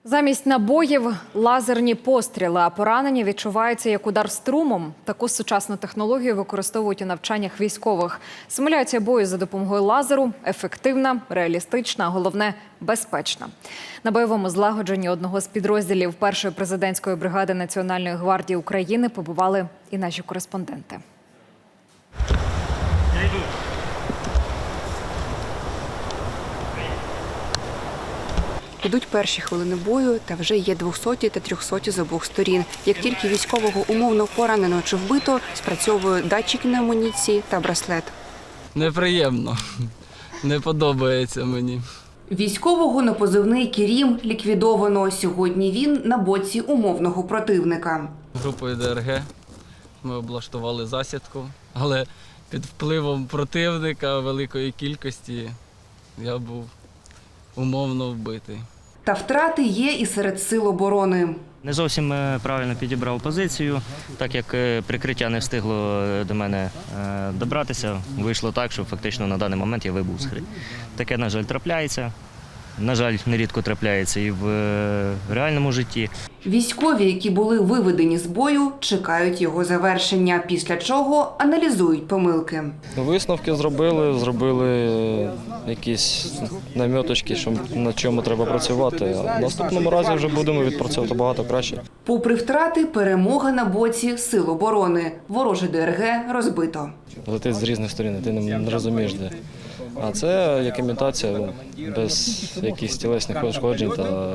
Замість набоїв – лазерні постріли, а поранення відчуваються як удар струмом. Таку сучасну технологію використовують у навчаннях військових. Симуляція бою за допомогою лазеру – ефективна, реалістична, а головне – безпечна. На бойовому злагодженні одного з підрозділів першої президентської бригади Національної гвардії України побували і наші кореспонденти. Ідуть перші хвилини бою, та вже є 200 та 300 з обох сторін. Як тільки військового умовно поранено чи вбито, спрацьовують датчики на амуніції та браслет. Неприємно. Не подобається мені. Військового на позивний «Керім» ліквідовано. Сьогодні він на боці умовного противника. Групою ДРГ ми облаштували засідку, але під впливом противника великої кількості я був умовно вбитий. Та втрати є і серед сил оборони. Не зовсім правильно підібрав позицію, так як прикриття не встигло до мене добратися. Вийшло так, що фактично на даний момент я вибув з гри. Таке, на жаль, трапляється. На жаль, нерідко трапляється і в реальному житті. Військові, які були виведені з бою, чекають його завершення, після чого аналізують помилки. Висновки зробили якісь наміточки, на чому треба працювати. А в наступному разі вже будемо відпрацьовувати багато краще. Попри втрати, перемога на боці сил оборони. Вороже ДРГ розбито. Летить з різних сторін, ти не розумієш де. А це як імітація без якихось тілесних пошкоджень та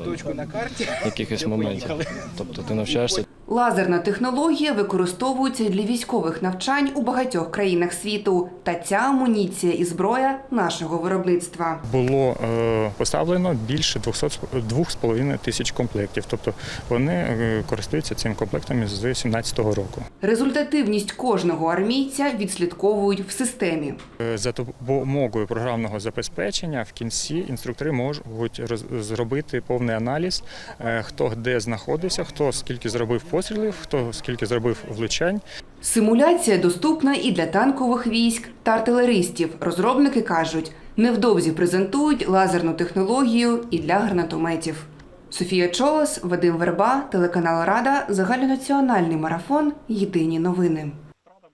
якихось моментів. Тобто ти навчаєшся. Лазерна технологія використовується для військових навчань у багатьох країнах світу. Та ця амуніція і зброя нашого виробництва. Було поставлено більше 2,5 тисяч комплектів. Тобто вони користуються цим комплектом з 2017 року. Результативність кожного армійця відслідковують в системі. За допомогою програмного забезпечення в кінці інструктори можуть зробити повний аналіз, хто де знаходився, хто скільки зробив пострілів, хто скільки зробив влучань. Симуляція доступна і для танкових військ та артилеристів. Розробники кажуть, невдовзі презентують лазерну технологію і для гранатометів. Софія Чолос, Вадим Верба, телеканал Рада, загальнонаціональний марафон «Єдині новини».